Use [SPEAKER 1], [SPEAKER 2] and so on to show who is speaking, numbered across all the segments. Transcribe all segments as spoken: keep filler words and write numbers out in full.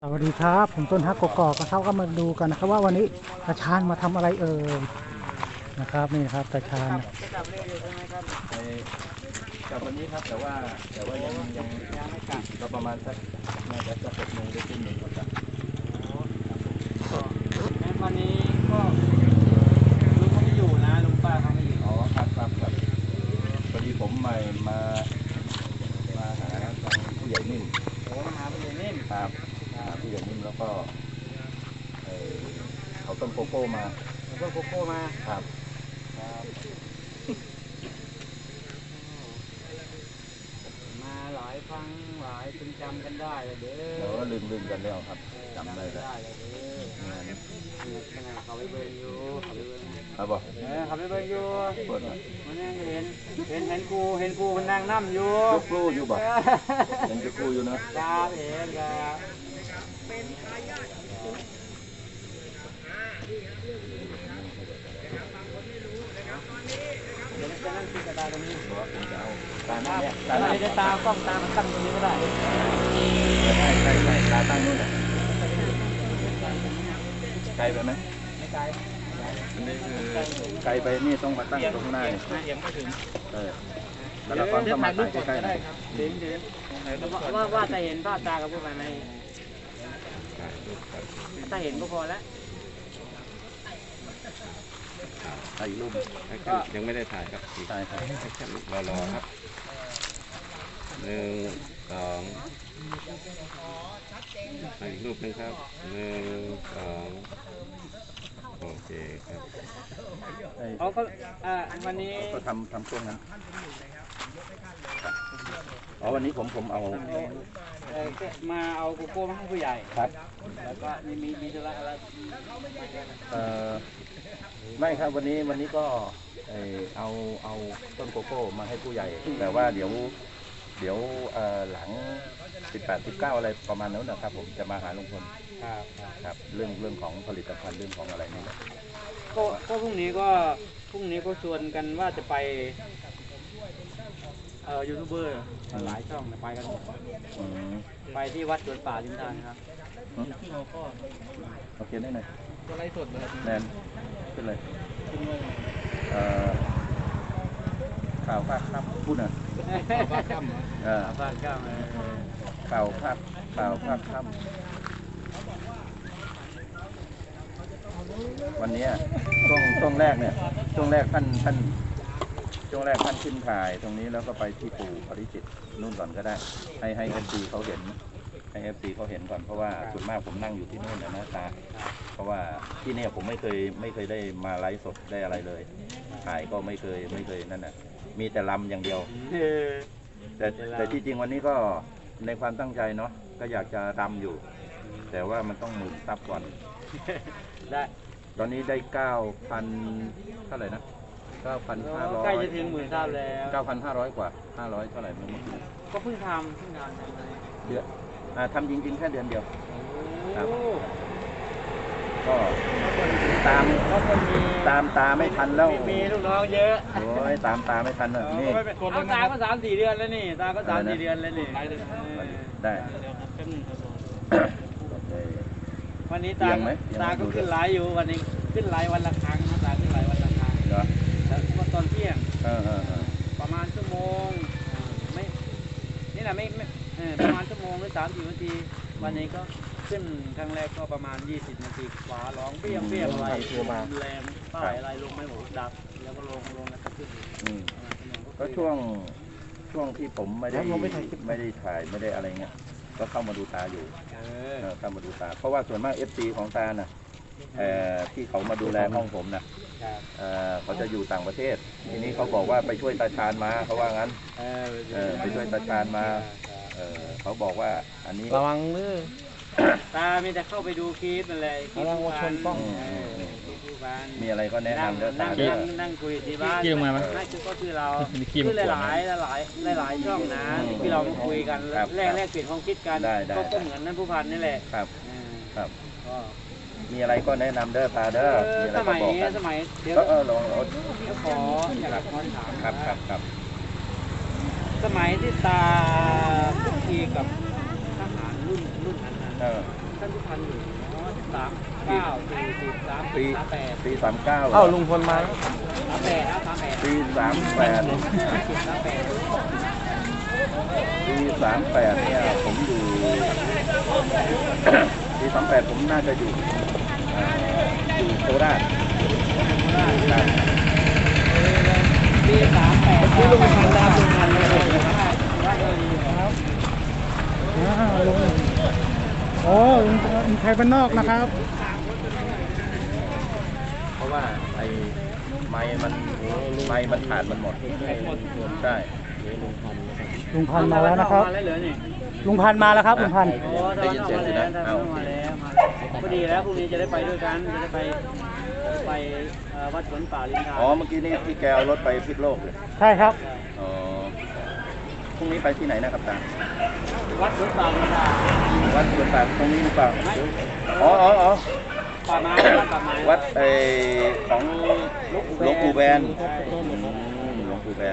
[SPEAKER 1] สวัสดีครับผมต้นฮักกกอกนะครับก็มาดูกันนะครับว่าวันนี้ตาชาญมาทำอะไรเอ่ยนะครับนี่นะครับตาชาญ
[SPEAKER 2] จะกลับเร็วอยู่ใช่ไหมครับ
[SPEAKER 3] ไปกลับวันนี้ครับแต่ว่าแต่ว่ายังยัง
[SPEAKER 2] ยังไม่กลับ
[SPEAKER 3] ก็ประมาณสักน่าจะสักหกโมงได้ขึ้นหนึ่งก็จะ
[SPEAKER 2] งั้นวันนี้ก็ลุงเขาไม่อยู่นะลุงป้าเขาไม่อยู่
[SPEAKER 3] อ๋อครับครับครับพอดีผมมามามาหาทางผู้ใหญ่นิ่ม
[SPEAKER 2] โอ้มาหาผู้ใหญ่นิ่ม
[SPEAKER 3] ครับหาผู้ใหญ่นิ่มแล้วก็เขาต้นโกโก้มา
[SPEAKER 2] ต้นโกโก้มา
[SPEAKER 3] ครับ
[SPEAKER 2] มาหลายครั้งหลายจนจำกันได้เลยเด้อ
[SPEAKER 3] เราก็ลืมลืมกันแล้วครับจำได้
[SPEAKER 2] ได้เลยเด้องานขนาดเขาไปเบิ่งอยู่เขาไปเบิ่ง
[SPEAKER 3] ครับบอก
[SPEAKER 2] เออเขาไปเบิ่งอยู่มันยังเห็นเห็นเห็นกูเห็นกูมันนั่งนั่งอยู่
[SPEAKER 3] ยกครูอยู่บ่ยังจะครูอยู่นะครับ
[SPEAKER 2] เห็นครับเดี๋ยวจะนั่งคิดกระดาษตรงนี้
[SPEAKER 3] ผมจะเอาตาหน้าเนี่ย
[SPEAKER 2] ตาหน้าจะตากล้องตามันตั้งตรงนี้ก็ได้
[SPEAKER 3] ใช่ใช่ใช่ตาตั้งนู่นแหละไกลไปไหม
[SPEAKER 2] ไม่ไกล
[SPEAKER 3] อันนี้คือไกลไปนี่ต้องมาตั้งตรงหน้าเนี่ย
[SPEAKER 2] เอียงไม่ถึง
[SPEAKER 3] เออแล้วเราก็มาตั้งใกล้ๆหน่อย
[SPEAKER 2] ถึงถึงว่าว่าจะเห็นภาพตากับพวกมันไหมถ้าเห็นก็พอแล้ว
[SPEAKER 3] ถ่ายรูป
[SPEAKER 4] ก็ยังไม่ได้ถ่ายครับ
[SPEAKER 3] ถ่ายถ่าย
[SPEAKER 4] รอรอครับหนึ่งสองถ่ายรูปนึงครับหนึ่งสองโอเคครับ
[SPEAKER 2] เขาก็อ่าวันนี้
[SPEAKER 3] ก็ทำทำช่วงนั้นอ๋อวันนี้ผมผมเอา
[SPEAKER 2] มาเอาโกโก้มาให้ผู้ใหญ่
[SPEAKER 3] ครับ
[SPEAKER 2] แล้วก็มีมีมีธุระอะไร
[SPEAKER 3] เอ่อไม่ครับวันนี้วันนี้ก็เอาเอาต้นโกโก้มาให้ผู้ใหญ่แต่ว่าเดี๋ยวเดี๋ยวหลังสิบแปด สิบเก้าอะไรประมาณนั้นนะครับผมจะมาหาลุงพล
[SPEAKER 2] ครับ
[SPEAKER 3] ครับเรื่องเรื่องของผลิตภัณฑ์เรื่องของอะไรนี่แหละ
[SPEAKER 2] ก็ก็พรุ่งนี้ก็พรุ่งนี้ก็ชวนกันว่าจะไปเอ่อยูทูบเบอร์หลายช่องไปกันไปที่วัดสวนป่าลิมทานครับ
[SPEAKER 3] โอเคได้หน่อย
[SPEAKER 2] ก็ไลฟ์สดเลย
[SPEAKER 3] แนนขึ้นเลยข่าวภาคค่ำพูดหน่อย
[SPEAKER 2] ข่าวภาคค่ำข่าวภาคค่
[SPEAKER 3] ำข่าวภาคข่าวภาคค่ำวันนี้ช่วงช่วงแรกเนี่ยช่วงแรกท่านท่านช่วงแรกท่านขึ้นถ่ายตรงนี้แล้วก็ไปที่ปู่ปริจิตนู่นก่อนก็ได้ให้ให้เอฟซีเขาเห็นให้เอฟซีเขาเห็นก่อนเพราะว่าส่วนมากผมนั่งอยู่ที่นู่นนะตาเพราะว่าที่นี่ผมไม่เคยไม่เคยได้มาไลฟ์สดได้อะไรเลยถ่ายก็ไม่เคยไม่เคยนั่นน่ะมีแต่ลำอย่างเดียวแต่แต่ที่จริงวันนี้ก็ในความตั้งใจเนาะก็อยากจะรำอยู่แต่ว่ามันต้องหมื่นซับก่อน
[SPEAKER 2] ได้
[SPEAKER 3] ตอนนี้ได้เก้าพันเท่าไหร่นะเก้าพันห้าร้อย
[SPEAKER 2] ใกล้จะถึงหมื่นซับแล้ว
[SPEAKER 3] เก้าพันห้าร้อยกว่าห้าร้อยเท่าไหร่เมื่อกี้
[SPEAKER 2] ก็เพิ่งทำเพิ่งทำ
[SPEAKER 3] เดือนอ่าทำจริงๆแค่เดือนเดียวครับก็ตามตามตาไม่ทันแล้ว
[SPEAKER 2] มีลูกน้องเยอะ
[SPEAKER 3] โอ้ยตามตาไม่ทันเลยนี่
[SPEAKER 2] เอาตาก็สามสี่เดือนแล้วนี่ตาก็สามสี่เดือนแล้วนี่
[SPEAKER 3] ได้
[SPEAKER 2] วันนี้ตาตาก็ขึ้นไลฟ์อยู่วันนี้ขึ้นไลฟ์วันละครั้งตาขึ้นไลฟ์วันละครั้ง
[SPEAKER 3] เหรอ
[SPEAKER 2] แล้วก็ตอนเที่ยง
[SPEAKER 3] เออ
[SPEAKER 2] ประมาณชั่วโมงไม่นี่แหละไม่ไม่ประมาณชั่วโมงหรือสามสี่นาทีวันนี้ก็ขึ้นครั้งแรกก็ประมาณยี่สิบนาทีขวาร้องเปี้ยงเปี้ยงอะไรแรงป้ายอะไรลงไม่หมดดับแล้วก็ลงลงแล้วก็ขึ้น
[SPEAKER 3] ก็ช่วงช่วงที่ผมไม่ได้ไม่ได้ถ่ายไม่ได้อะไรเงี้ยก็เข้ามาดูตาอยู่เข้ามาดูตาเพราะว่าส่วนมาก เอฟ ซี ของตาน่ะที่เขามาดูแลห้องผมน่ะเขาจะอยู่ต่างประเทศทีนี้เขาบอกว่าไปช่วยตาชาญมาเขาว่างั้นไปช่วยตาชาญมาเขาบอกว่าอันนี้
[SPEAKER 2] ระวังมือตามีแต่เข้าไปดูคลิปอะไรคลิปผู้พัน
[SPEAKER 3] มีอะไรก็แนะนำแล้วตา
[SPEAKER 2] นั่งคุยที่บ้านนั่นคือก็คือเราคือหลายหลายหลายหลายช่องนะที่เรามาคุยกันแลกแลกเปลี่ยนความคิดกันก็เหมือนนั่นผู้พันนี่แหละ
[SPEAKER 3] ครับครับมีอะไรก็แนะนำเด้อตาเด้อ
[SPEAKER 2] สมัยสมัย
[SPEAKER 3] เดี๋ยวเออลอง
[SPEAKER 2] ขออยากขอถาม
[SPEAKER 3] ครับครับครับ
[SPEAKER 2] สมัยที่ตาคุกคีกับทหารรุ่นรุ่นนั้นนะท่านผู้พันอยู่อ๋อสามเก้าสี่สิบสาม
[SPEAKER 3] ปี
[SPEAKER 2] สามแปด
[SPEAKER 3] ปีสามเก้า
[SPEAKER 4] เอ้าลุงพลมา
[SPEAKER 2] สามแปดนะสามแปด
[SPEAKER 3] ปีสามแปด
[SPEAKER 2] สามแปด
[SPEAKER 3] ปีสามแปดเนี่ยผมอยู่ ปีสามแปดผมน่าจะอยู่เอ่ออยู่โคราชครับ
[SPEAKER 2] ปีสามแปดที่ลุงพันดาวลุงพันเลยว่าเออดีครับ
[SPEAKER 1] อ่าลุงโอ้ลุงลุงไทยบ้านนอกนะครับ
[SPEAKER 3] เพราะว่าไอ้ไม้มันไม้มันขาดมันหมดใช่
[SPEAKER 1] ลุงพันธุ์มาแล้วนะครับ
[SPEAKER 2] มาแล้วเหรอนี่
[SPEAKER 1] ลุงพันธุ์มาแล้วครับลุงพันธุ์
[SPEAKER 2] โอ้ตอนนั้นมาแล้วตอนนั้นมาแล้วมาพอดีแล้วพรุ่งนี้จะได้ไปด้วยกันจะได้ไปจะได้ไปเอ่อวัดสวนป่าลินทา
[SPEAKER 3] อ๋อเมื่อกี้นี้ที่แกเอารถไปพิษโลกเลย
[SPEAKER 1] ใช่ครับ
[SPEAKER 3] อ๋อพรุ่งนี้ไปที่ไหนนะครับตา
[SPEAKER 2] วัดสวนป่าลินทา
[SPEAKER 3] วัดสวนป่าตรงนี้หรือเปล่า
[SPEAKER 2] ไม่
[SPEAKER 3] อ๋ออ๋ออ๋อ
[SPEAKER 2] ป่าไม้วัดป่าไม้
[SPEAKER 3] วัดไอของหลวงปู่แบน
[SPEAKER 2] ใช่
[SPEAKER 3] อืมหลวงปู่แบน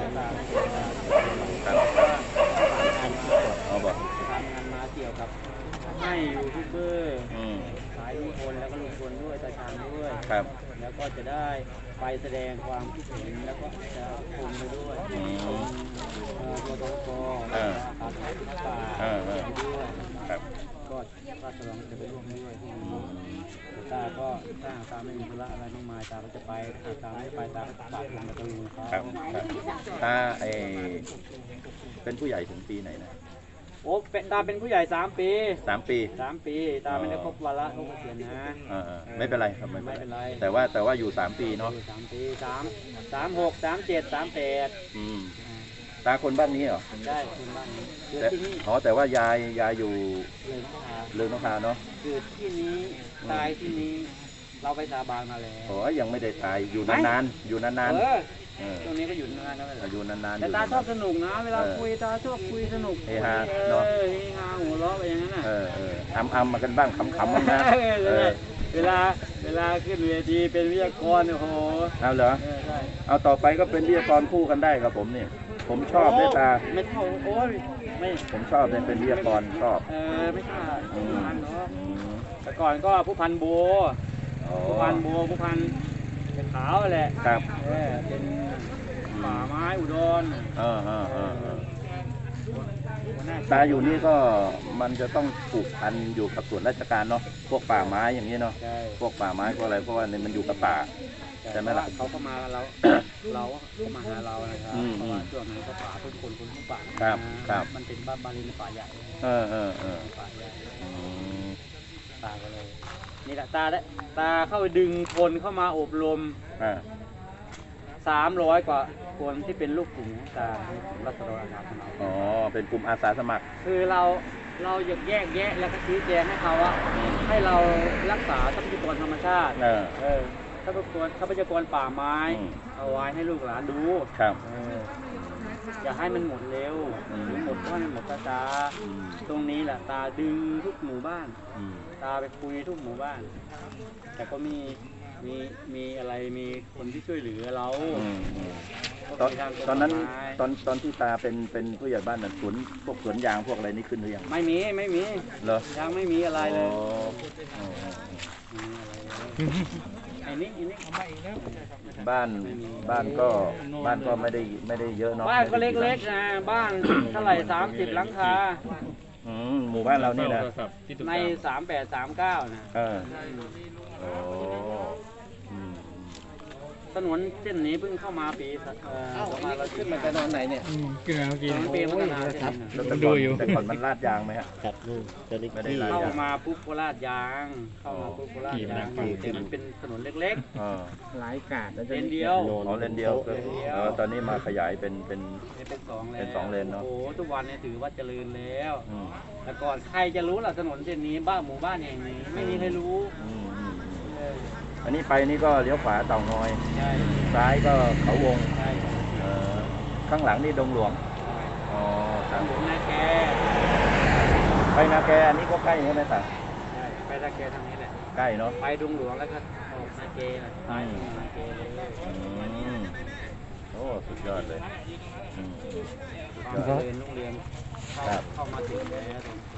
[SPEAKER 3] ครับเอาบอก
[SPEAKER 2] ทำงานมาเกี่ยวกับให้ยูทูบเบอร์
[SPEAKER 3] อืม
[SPEAKER 2] สายลุงพลแล้วก็ลุงพลด้วยตาชาญด้วย
[SPEAKER 3] ครับ
[SPEAKER 2] แล้วก็จะได้ไปแสดงความคิดเห็นแล้วก็จะชมไปด้วย
[SPEAKER 3] อืม
[SPEAKER 2] ชมเอ่อตัวตก
[SPEAKER 3] เออ
[SPEAKER 2] ป่าไม้ป่า
[SPEAKER 3] เออเออ
[SPEAKER 2] ไปด้วย
[SPEAKER 3] ครับ
[SPEAKER 2] ก็ราชรองจะไปร่วมด้วยที่นี่แต่ตาก็ถ้าหากตาไม่มีธุระอะไรมากมายตาก็จะไปถ้าตาไม่ไปตาก็ฝากลงกับตะลุงเขา
[SPEAKER 3] ครับครับตาไอเป็นผู้ใหญ่ถึงปีไหนนะ
[SPEAKER 2] โอ้เป็นตาเป็นผู้ใหญ่สามปี
[SPEAKER 3] สามปี
[SPEAKER 2] สามปีตาไม่ได้ครบวาระครบเกษียณนะ
[SPEAKER 3] เออเออไม่เป็นไรครับไม่
[SPEAKER 2] ไม่
[SPEAKER 3] เป็
[SPEAKER 2] เป็น น
[SPEAKER 3] ไร
[SPEAKER 2] ไร
[SPEAKER 3] แต่ว่าแต่ว่าอยู่สามปีเนาะ
[SPEAKER 2] อยู่สามปีสามสามหกสามเจ็ดสามแปด
[SPEAKER 3] อืมตาคนบ้านนี้เหรอ
[SPEAKER 2] ได้คุณบ้านนี้เกิด
[SPEAKER 3] แต่
[SPEAKER 2] ที่นี่
[SPEAKER 3] อ๋อแต่ว่ายายยายอยู่
[SPEAKER 2] เลยนะคะ
[SPEAKER 3] เรืองนกทาเนาะ
[SPEAKER 2] เกิดที่นี้ตายที่นี้เราไปสาบานมาแล้ว
[SPEAKER 3] โอ้ยยังไม่ได้ตายอยู่นานๆอยู่นาน
[SPEAKER 2] เออ
[SPEAKER 3] ๆเออ
[SPEAKER 2] ตรงนี้ก็อยู่นานแล้ว
[SPEAKER 3] อยู่นานๆ
[SPEAKER 2] แต่
[SPEAKER 3] ยู่
[SPEAKER 2] ตาชอบ
[SPEAKER 3] นน
[SPEAKER 2] สนุกนะ เวลาคุยตาชอบคุยสนุก
[SPEAKER 3] เฮฮา
[SPEAKER 2] เอ
[SPEAKER 3] เนอะ
[SPEAKER 2] อเฮฮาหัวเราะไปอย่างนั้นน่ะ
[SPEAKER 3] เออเอออำอำมากันบ้างขำๆบ้างนะ
[SPEAKER 2] เออ
[SPEAKER 3] เออ
[SPEAKER 2] เวลาเวลาขึ้นเวทีเป็นวิทยากรโอ้โห
[SPEAKER 3] เอาเหรอ
[SPEAKER 2] เออใช่
[SPEAKER 3] เอาต่อไปก็เป็นวิทยากรคู่กันได้ครับผมนี่ผมชอบด้วยตา
[SPEAKER 2] ไม่เท่าโอ้ยไม่
[SPEAKER 3] ผมชอบเนี่ยเป็นวิทยากรชอบ
[SPEAKER 2] เออไม่ใช่
[SPEAKER 3] อื
[SPEAKER 2] ผู้
[SPEAKER 3] ม
[SPEAKER 2] พันเนาะ
[SPEAKER 3] อืม
[SPEAKER 2] แต่ก่อนก็ผู้พันโบ
[SPEAKER 3] อ๋อ
[SPEAKER 2] ผู้พันโบผู้พันเป็นขาวแหละ
[SPEAKER 3] ครับ
[SPEAKER 2] เออเป็นป่าไม้อุดร
[SPEAKER 3] เออเออเออเออ
[SPEAKER 2] หัวหน้
[SPEAKER 3] ตาอยู่นี่ก็มันจะต้องผูกพันอยู่กับส่วนราชการเนาะพวกป่าไม้อย่างนี้เนาะ
[SPEAKER 2] ใช่
[SPEAKER 3] พวกป่าไม้พวกอะไรเพราะว่าเนี่ยมันอยู่กับป่า ใช่ไหมล่ะ
[SPEAKER 2] เขาก็มาเรา เราก็มาหาเรานะครับ
[SPEAKER 3] อืม
[SPEAKER 2] เพราะว่าช่วงนั้นก็ป่าทุกคนคนทุกป่า
[SPEAKER 3] ครับ
[SPEAKER 2] นะครับ มันเป็นบ้านบาลีนป่าใหญ่
[SPEAKER 3] เออเออเออ
[SPEAKER 2] ป่าใหญ่
[SPEAKER 3] อืม
[SPEAKER 2] ตาก็เลย นี่แหละตาได้ตาเข้าไปดึงคนเข้ามาอบรม
[SPEAKER 3] อ่า
[SPEAKER 2] สามร้อยกว่าคนที่เป็นลูกกลุ่มของตาในกลุ่มรัศดรอาสาสมัคร
[SPEAKER 3] อ๋อเป็นกลุ่มอาสาสมัคร
[SPEAKER 2] คือเราเราอยากแยกแยะแล้วก็ชี้แจงให้เขาว่าให้เรารักษาทรัพยากรธรรมชาติ
[SPEAKER 3] เออ
[SPEAKER 2] เออทรัพยากรทรัพยากรป่าไม้
[SPEAKER 3] อืม
[SPEAKER 2] เอาไว้ให้ลูกหลานดู
[SPEAKER 3] ครับ
[SPEAKER 2] เอออย่าให้มันหมดเร็ว
[SPEAKER 3] อืม
[SPEAKER 2] หรือหมดก็ให้มันหมดช้า
[SPEAKER 3] อืม
[SPEAKER 2] ๆตรงนี้แหละตาดึงทุกหมู่บ้าน
[SPEAKER 3] อืม
[SPEAKER 2] ตาไปคุยทุกหมู่บ้าน แต่ก็มีมีมีอะไรมีคนที่ช่วยเหลือเรา
[SPEAKER 3] อืมอืม
[SPEAKER 2] ก็
[SPEAKER 3] ตอน
[SPEAKER 2] มีทางกฎ
[SPEAKER 3] ตอนนั้น
[SPEAKER 2] หมาย
[SPEAKER 3] ตอนตอนที่ตาเป็นเป็นผู้ใหญ่บ้านน่ะสวนพวกสวนยางพวกอะไรนี่ขึ้นหรือยัง
[SPEAKER 2] ไม่มีไม่มี
[SPEAKER 3] เหรอ
[SPEAKER 2] ยังไม่มีอะไรเลย
[SPEAKER 3] อ๋ออ๋ออ๋อ
[SPEAKER 2] ไม่มีอะไรเลยไอ้นี่ไอ้นี่
[SPEAKER 3] บ้านบ้านก็บ้านก็ไม่ได้ไม่ได้เยอะเนาะ
[SPEAKER 2] บ้านก็เล็กๆนะบ้านเท่าไหร่สามสิบหลังคา
[SPEAKER 3] ๆอืมหมู่บ้านเรานี่นะ
[SPEAKER 2] ในสามแปดสามเก้านะ
[SPEAKER 3] เออโอ้อืม
[SPEAKER 2] ถนนเส้นนี้เพิ่งเข้ามาปีเอ่อประมาณเราขึ้นมา
[SPEAKER 3] นอนไหนเนี่ย
[SPEAKER 1] กินแล้วกิน
[SPEAKER 2] สองปีพัฒนาเส้นนี้นะ
[SPEAKER 3] แต่ก่อนแต่ก่อนมันลาดยางไหมฮะ
[SPEAKER 4] ครับนู่นจะได้
[SPEAKER 3] ไม่ได้ลาด
[SPEAKER 2] เข้ามาปุ๊บโคราชยาง เข้ามาปุ๊บโคราชยาง
[SPEAKER 3] อ๋อ
[SPEAKER 2] แต่มันเป็นถนนเล็ก
[SPEAKER 3] เออ
[SPEAKER 1] หลายกาด
[SPEAKER 2] ๆเลนเดียว
[SPEAKER 3] อ๋อเลนเดียวก็เออตอนนี้มาขยายเป็นเป็น
[SPEAKER 2] นี่เป็นสองเลน
[SPEAKER 3] เป็นสองเลนเนอะ
[SPEAKER 2] โอ้โหทุกวันนี้ถือว่าเจริญแล้ว
[SPEAKER 3] อืม
[SPEAKER 2] แต่ก่อนใครจะรู้ล่ะถนนเส้นนี้บ้านหมู่บ้านแห่งนี้ ไม่มีใครรู้
[SPEAKER 3] อืมอืมอืม
[SPEAKER 2] เออ
[SPEAKER 3] อันนี้ไปนี่ก็เลี้ยวขวาเต่างอย
[SPEAKER 2] ใช่
[SPEAKER 3] ซ้ายก็เขาวง
[SPEAKER 2] ใช่
[SPEAKER 3] เออข้างหลังนี่ดงหลวงอ๋อค
[SPEAKER 2] ทา
[SPEAKER 3] รั
[SPEAKER 2] ง
[SPEAKER 3] บ
[SPEAKER 2] หลวงนาแก
[SPEAKER 3] ไปนาแกอันนี้ก็ใกล้ใช่ไหมตา
[SPEAKER 2] ใช่ไปนาแกทางนี้แหละ
[SPEAKER 3] ใกล้เนาะ
[SPEAKER 2] ไปดงหลวงแล้วก็ออกนาเกนะซ้ายมือนาเกเลย
[SPEAKER 3] อืมโอ้สุดยอดเลยอืมสุด
[SPEAKER 2] ความ
[SPEAKER 3] ยอด
[SPEAKER 2] เจริญรุ่งเรืองเข้า
[SPEAKER 3] ครับ
[SPEAKER 2] เข้ามาถึงแล้วตรงนี้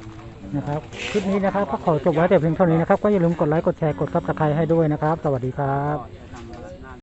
[SPEAKER 1] นะครับคลิปนี้นะครับก็ขอจบไว้แต่เพียงเท่านี้นะครับก็อย่าลืมกดไลค์กดแชร์กดซับสไครต์ให้ด้วยนะครับสวัสดีครับ
[SPEAKER 2] ก็จะนำ